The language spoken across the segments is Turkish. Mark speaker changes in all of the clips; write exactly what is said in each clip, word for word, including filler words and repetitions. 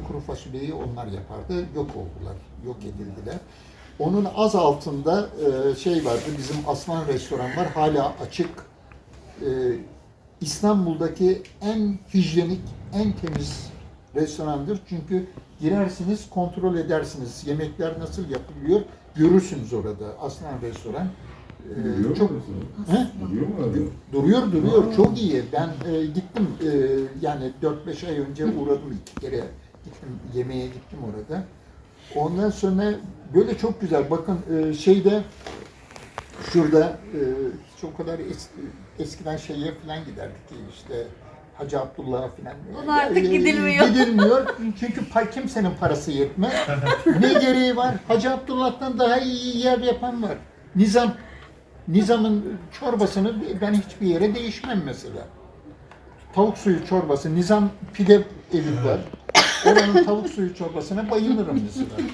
Speaker 1: kuru fasulyeyi onlar yapardı. Yok oldular, yok edildiler. Onun az altında e, şey vardı, bizim Aslan Restoran var, hala açık. E, İstanbul'daki en hijyenik, en temiz restorandır. Çünkü girersiniz, kontrol edersiniz. Yemekler nasıl yapılıyor, görürsünüz orada. Aslan Restoran. Ee,
Speaker 2: Duruyor
Speaker 1: çok
Speaker 2: mu?
Speaker 1: He?
Speaker 2: Duruyor mu abi?
Speaker 1: Duruyor, duruyor.
Speaker 2: Aa.
Speaker 1: Çok iyi. Ben e, gittim, e, yani dört beş ay önce uğradım iki kere. Gittim, yemeğe gittim orada. Ondan sonra böyle çok güzel. Bakın e, şeyde, şurada e, çok kadar es, eskiden şeye falan giderdik ki işte Hacı Abdullah'a falan.
Speaker 3: Ona artık gidilmiyor.
Speaker 1: Gidilmiyor. Çünkü pa- kimsenin parası yetmez. Ne gereği var? Hacı Abdullah'tan daha iyi yer yapan var. Nizam, Nizam'ın çorbasını ben hiçbir yere değişmem mesela. Tavuk suyu çorbası, Nizam pide evi var. Oranın tavuk suyu çorbasına bayılırım mesela.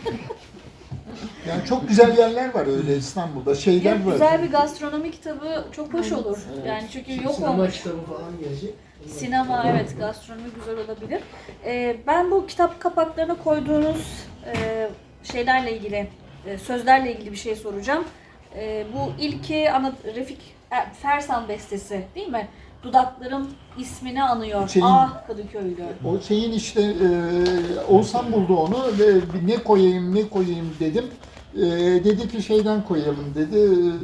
Speaker 1: Yani çok güzel yerler var öyle İstanbul'da, şeyler
Speaker 3: Ya,
Speaker 1: var.
Speaker 3: güzel bir gastronomi kitabı çok hoş olur.
Speaker 1: Evet.
Speaker 3: Yani çünkü yok
Speaker 4: Sinema
Speaker 3: olmuş.
Speaker 4: kitabı falan gelecek.
Speaker 3: Sinema, evet, gastronomi güzel olabilir. Ee, ben bu kitap kapaklarına koyduğunuz e, şeylerle ilgili, e, sözlerle ilgili bir şey soracağım. E, bu ilki ana, Refik e, Fersan bestesi değil mi? Dudaklarım ismini anıyor.
Speaker 1: Şeyin-
Speaker 3: Ah Kadıköylü.
Speaker 1: O şeyin işte, e, Oğuzhan buldu onu ve bir ne koyayım ne koyayım dedim. E, dedi ki şeyden koyalım dedi.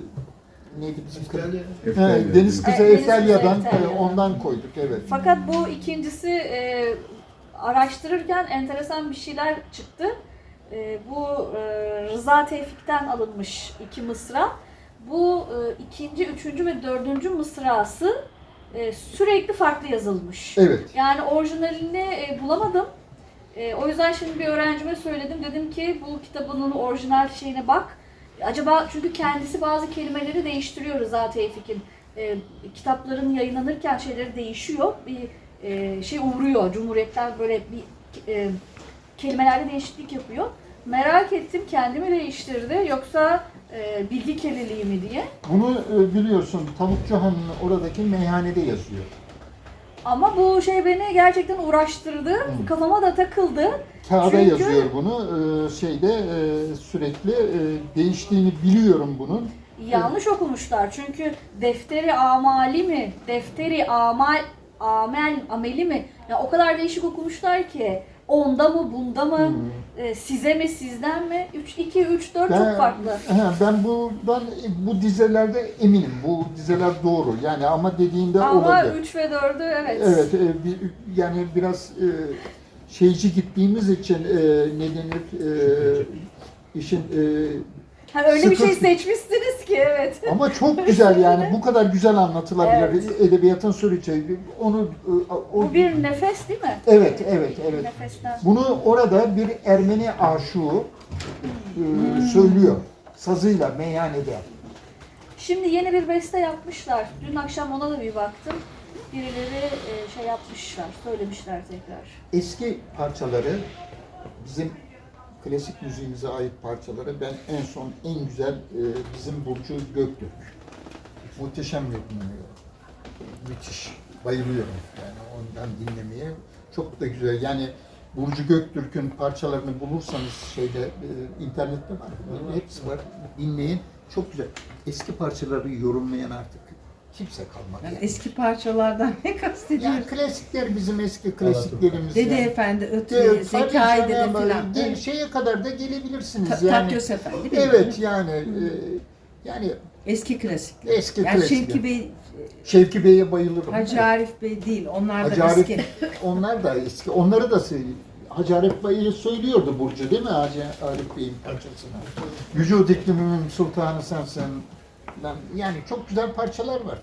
Speaker 1: E, neydi bizim kız?
Speaker 4: İtalya.
Speaker 1: He, Deniz Kızı
Speaker 3: E, Deniz Kızı
Speaker 1: Efelya'dan,
Speaker 3: Eftelya.
Speaker 1: e, ondan koyduk, evet.
Speaker 3: Fakat bu ikincisi e, araştırırken enteresan bir şeyler çıktı. E, bu e, Rıza Tevfik'ten alınmış iki mısra. Bu e, ikinci, üçüncü ve dördüncü mısrası e, sürekli farklı yazılmış.
Speaker 1: Evet.
Speaker 3: Yani orijinalini e, bulamadım. E, o yüzden şimdi bir öğrencime söyledim. Dedim ki bu kitabının orijinal şeyine bak. Acaba çünkü kendisi bazı kelimeleri değiştiriyor Rıza Tevfik'in. E, kitapların yayınlanırken şeyleri değişiyor. Bir e, şey uğruyor. Cumhuriyet'ten böyle bir e, kelimelerde değişiklik yapıyor. Merak ettim, kendimi değiştirdi yoksa e, bilgi kirliliği mi diye.
Speaker 1: Bunu e, biliyorsun, Tavukçu Han'ın oradaki meyhanede yazıyor.
Speaker 3: Ama bu şey beni gerçekten uğraştırdı.
Speaker 1: Hı.
Speaker 3: Kafama da takıldı.
Speaker 1: Kağıda
Speaker 3: Çünkü-
Speaker 1: yazıyor bunu. E, şeyde e, sürekli e, değiştiğini biliyorum bunun.
Speaker 3: Yanlış okumuşlar. Çünkü defteri amali mi? Defteri amal amel ameli mi? Ya o kadar değişik okumuşlar ki. Onda mı, bunda mı,
Speaker 1: Hmm.
Speaker 3: e, size mi, sizden mi? üç iki üç dört
Speaker 1: Ben,
Speaker 3: çok farklı.
Speaker 1: he, ben bundan bu dizelerde eminim. Bu dizeler doğru. Yani ama dediğinde
Speaker 3: Ama
Speaker 1: olabilir.
Speaker 3: üç ve dördü evet.
Speaker 1: Evet, e, bir, yani biraz e, şeyci gittiğimiz için e, ne denir, e, işin e,
Speaker 3: Ha, öyle bir şey
Speaker 1: sıkıntı-
Speaker 3: seçmişsiniz ki evet.
Speaker 1: ama çok güzel yani bu kadar güzel anlatılabilir.
Speaker 3: Evet.
Speaker 1: Edebiyatın süreci onu e, o,
Speaker 3: Bu bir nefes değil mi?
Speaker 1: evet evet evet.
Speaker 3: Nefesten.
Speaker 1: Bunu orada bir Ermeni aşığı e, söylüyor sazıyla meyhanede.
Speaker 3: Şimdi yeni bir beste yapmışlar. Dün akşam ona da bir baktım. Birileri e, şey yapmışlar, söylemişler tekrar.
Speaker 1: Eski parçaları, bizim klasik müziğimize ait parçaları ben en son en güzel e, bizim Burcu Göktürk. Muhteşem yapımlıyor. Müthiş. Bayılıyorum yani ondan dinlemeye. Çok da güzel. Yani Burcu Göktürk'ün parçalarını bulursanız şeyde e, internette var. Hepsi var. Dinleyin. Çok güzel. Eski parçaları yorumlayan artık kimse kalmadı.
Speaker 5: Yani
Speaker 1: Yani.
Speaker 5: eski parçalardan ne
Speaker 1: Yani
Speaker 5: kastediyorsun?
Speaker 1: klasikler bizim eski klasiklerimiz.
Speaker 5: Dede
Speaker 1: yani.
Speaker 5: Efendi,
Speaker 1: Evet,
Speaker 5: Ötü,
Speaker 1: tabii
Speaker 5: Zekai Dede
Speaker 1: canım,
Speaker 5: filan.
Speaker 1: gel-
Speaker 5: Evet.
Speaker 1: Şeye kadar da gelebilirsiniz
Speaker 5: Ta-
Speaker 1: yani.
Speaker 5: Takyos Efendi değil mi?
Speaker 1: Evet yani e, yani
Speaker 5: Eski klasikler.
Speaker 1: eski
Speaker 5: Yani
Speaker 1: klasikler.
Speaker 5: Şevki Bey,
Speaker 1: Şevki Bey'e bayılırım.
Speaker 5: Hacı Arif Bey değil. Onlar da
Speaker 1: Hacı Arif,
Speaker 5: eski.
Speaker 1: onlar da eski. Onları da söylüyor. Hacı Arif Bey'i söylüyordu Burcu değil mi Hacı Arif Bey'in parçasını? Vücud iklimimin sultanı sensin. Lan, yani çok güzel parçalar var.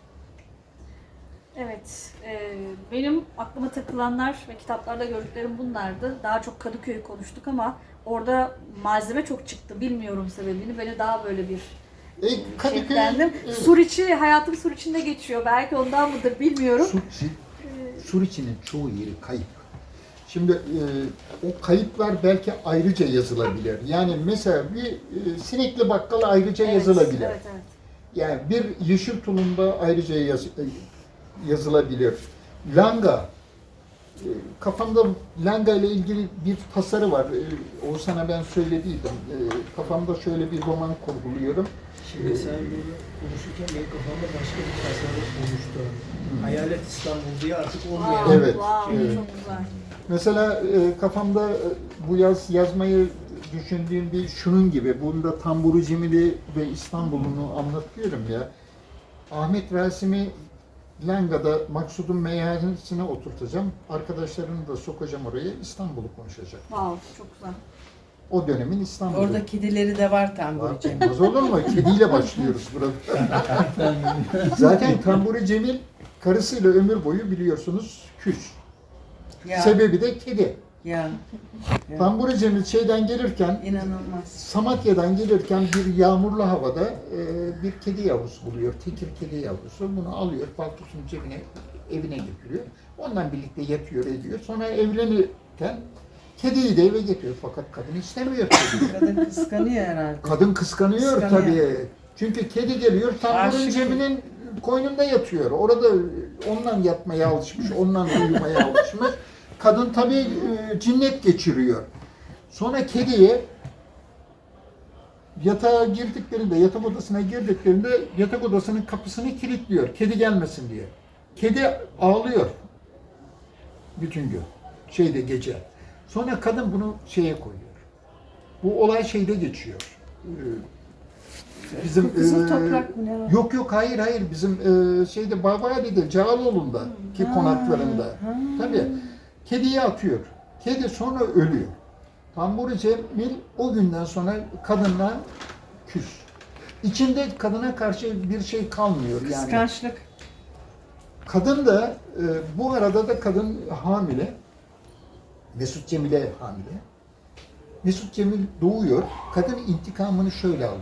Speaker 3: Evet, e, benim aklıma takılanlar ve kitaplarda gördüklerim bunlardı. Daha çok Kadıköy'ü konuştuk ama orada malzeme çok çıktı. Bilmiyorum sebebini. Beni daha böyle bir
Speaker 1: E, Kadıköy,
Speaker 3: şeklendim.
Speaker 1: evet.
Speaker 3: Suriçi, hayatım Suriçi'nde geçiyor. Belki ondan mıdır bilmiyorum.
Speaker 1: Sur, Suriçi'nin çoğu yeri kayıp. Şimdi e, o kayıplar belki ayrıca yazılabilir. Yani mesela bir e, Sinekli Bakkal ayrıca
Speaker 3: Evet,
Speaker 1: yazılabilir.
Speaker 3: Evet, evet.
Speaker 1: Yani bir Yeşil Tulumba ayrıca yaz, yazılabilir. Langa, e, kafamda Langa ile ilgili bir tasarı var. E, Oğuzhan'a ben söylediydim. E, kafamda şöyle bir roman kurguluyorum.
Speaker 2: Şimdi sen bunu konuşurken benim kafamda başka bir tasarım oluştu. Hayalet İstanbul diye artık olmayan.
Speaker 3: Wow,
Speaker 1: Evet,
Speaker 3: wow,
Speaker 1: evet.
Speaker 3: çok güzel.
Speaker 1: Mesela e, kafamda e, bu yaz yazmayı düşündüğüm bir şunun gibi. Bunda Tamburu Cemili ve İstanbul'unu anlatıyorum ya. Ahmet Rasim'i Langa'da Maksud'un meyhanesine oturtacağım. Arkadaşlarını da sokacağım oraya. İstanbul'u konuşacak.
Speaker 3: Wow, çok güzel.
Speaker 1: O dönemin İstanbul'u.
Speaker 5: Orada kedileri de var Tamburi Cemil.
Speaker 1: Olmaz olur mu? Kediyle başlıyoruz burada. Zaten Tamburu Cemil karısıyla ömür boyu biliyorsunuz küs.
Speaker 5: Ya,
Speaker 1: Sebebi de kedi.
Speaker 5: ya, ya.
Speaker 1: Tamburu Cemil şeyden gelirken,
Speaker 5: İnanılmaz.
Speaker 1: Samatya'dan gelirken bir yağmurlu havada e, bir kedi yavrusu buluyor. Tekir kedi yavrusu. Bunu alıyor, paltosunun cebine, evine getiriyor. Ondan birlikte yatıyor, ediyor. Sonra evlenirken kediyi de eve getiriyor. Fakat kadın istemiyor kediyi.
Speaker 5: Kadın kıskanıyor herhalde.
Speaker 1: Kadın kıskanıyor,
Speaker 5: Kıskanıyor.
Speaker 1: tabii. Çünkü kedi geliyor, Tamburu
Speaker 5: Aşık.
Speaker 1: Cemil'in koynunda yatıyor. Orada ondan yatmaya alışmış, ondan uyumaya alışmış. Kadın tabii e, cinnet geçiriyor. Sonra kediye yatağa girdiklerinde, yatak odasına girdiklerinde yatak odasının kapısını kilitliyor. Kedi gelmesin diye. Kedi ağlıyor bütün gün. Şeyde gece. Sonra kadın bunu şeye koyuyor. Bu olay şeyde geçiyor. Ee, Bizim
Speaker 5: Kızıl
Speaker 1: e,
Speaker 5: toprak mı ne var?
Speaker 1: Yok yok hayır hayır bizim e, şeyde Babali'de Cağaloğlu'nda ki
Speaker 5: Ha,
Speaker 1: konaklarında.
Speaker 5: ha.
Speaker 1: Tabii kediyi atıyor. Kedi sonra ölüyor. Tamburu Cemil o günden sonra kadınla küs. İçinde kadına karşı bir şey kalmıyor yani.
Speaker 5: Kıskançlık.
Speaker 1: Kadın da e, bu arada da kadın hamile. Mesut Cemil'e hamile. Mesut Cemil doğuyor. Kadın intikamını şöyle alıyor.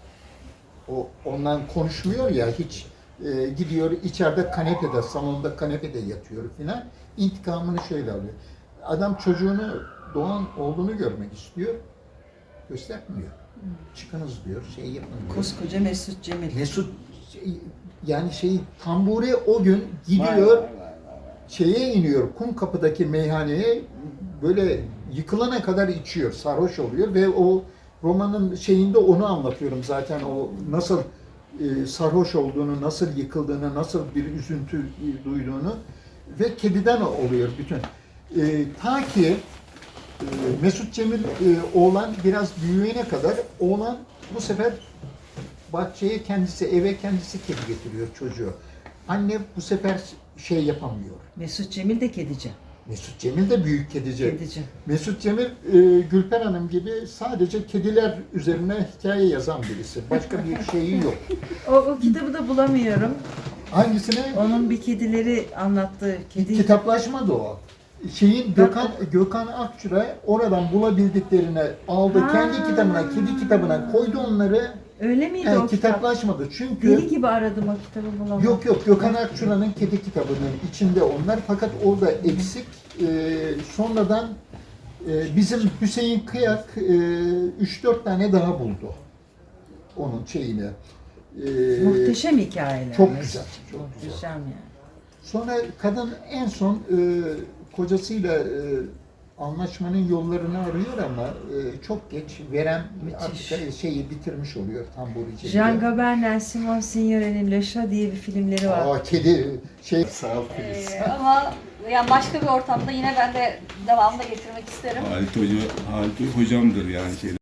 Speaker 1: O ondan konuşmuyor ya hiç. E, gidiyor içeride kanepede, salonda kanepede yatıyor filan. İntikamını şöyle alıyor. Adam çocuğunu doğan oğlunu görmek istiyor. Göstermiyor. Çıkınız diyor, şey yapın diyor.
Speaker 5: Koskoca Mesut Cemil.
Speaker 1: Mesut şey, yani şey Tamburi o gün
Speaker 5: Vay,
Speaker 1: gidiyor
Speaker 5: vay, vay, vay.
Speaker 1: şeye iniyor Kumkapı'daki meyhaneye böyle yıkılana kadar içiyor, sarhoş oluyor ve o romanın şeyinde onu anlatıyorum zaten o nasıl e, sarhoş olduğunu, nasıl yıkıldığını, nasıl bir üzüntü e, duyduğunu ve kediden oluyor bütün. E, ta ki e, Mesut Cemil e, oğlan biraz büyüyene kadar oğlan bu sefer bahçeye kendisi, eve kendisi kedi getiriyor çocuğu. Anne bu sefer şey yapamıyor.
Speaker 5: Mesut Cemil de kedici.
Speaker 1: Mesut Cemil de büyük kedici.
Speaker 5: Kedici.
Speaker 1: Mesut Cemil, e, Gülper Hanım gibi sadece kediler üzerine hikaye yazan birisi. Başka bir şeyi yok.
Speaker 5: O, o kitabı da bulamıyorum.
Speaker 1: Hangisine?
Speaker 5: Onun bir kedileri anlattığı kedi.
Speaker 1: Kitaplaşma da o. Şeyin Gökhan Gökhan Akçura oradan bulabildiklerini aldı.
Speaker 5: Ha.
Speaker 1: Kendi kitabına, kedi kitabına koydu onları.
Speaker 5: Öyle miydi
Speaker 1: Yani
Speaker 5: o kitap?
Speaker 1: kitaplaşmadı. Çünkü
Speaker 5: Deli gibi aradım o kitabı bulamadım.
Speaker 1: Yok yok Gökhan Akçura'nın kedi kitabının içinde onlar fakat orada eksik. Ee, sonradan e, bizim Hüseyin Kıyak e, üç dört tane daha buldu onun şeyini. Ee,
Speaker 5: Muhteşem hikayeler.
Speaker 1: Çok
Speaker 5: Mesut.
Speaker 1: güzel, çok
Speaker 5: Muhteşem
Speaker 1: güzel.
Speaker 5: yani.
Speaker 1: Sonra kadın en son e, kocasıyla e, anlaşmanın yollarını arıyor ama e, çok geç veren
Speaker 5: Müthiş.
Speaker 1: artık şeyi bitirmiş oluyor Tamburi Cemil'e.
Speaker 5: Jean Gabern'le Simon Signori'nin Le Chat diye bir filmleri var.
Speaker 1: Aa kedi şey sağ ol Filiz.
Speaker 3: Ee, ama yani başka bir ortamda yine ben de devamında getirmek isterim.
Speaker 4: Halit Hoca, Halit Hocamdır yani şeyler.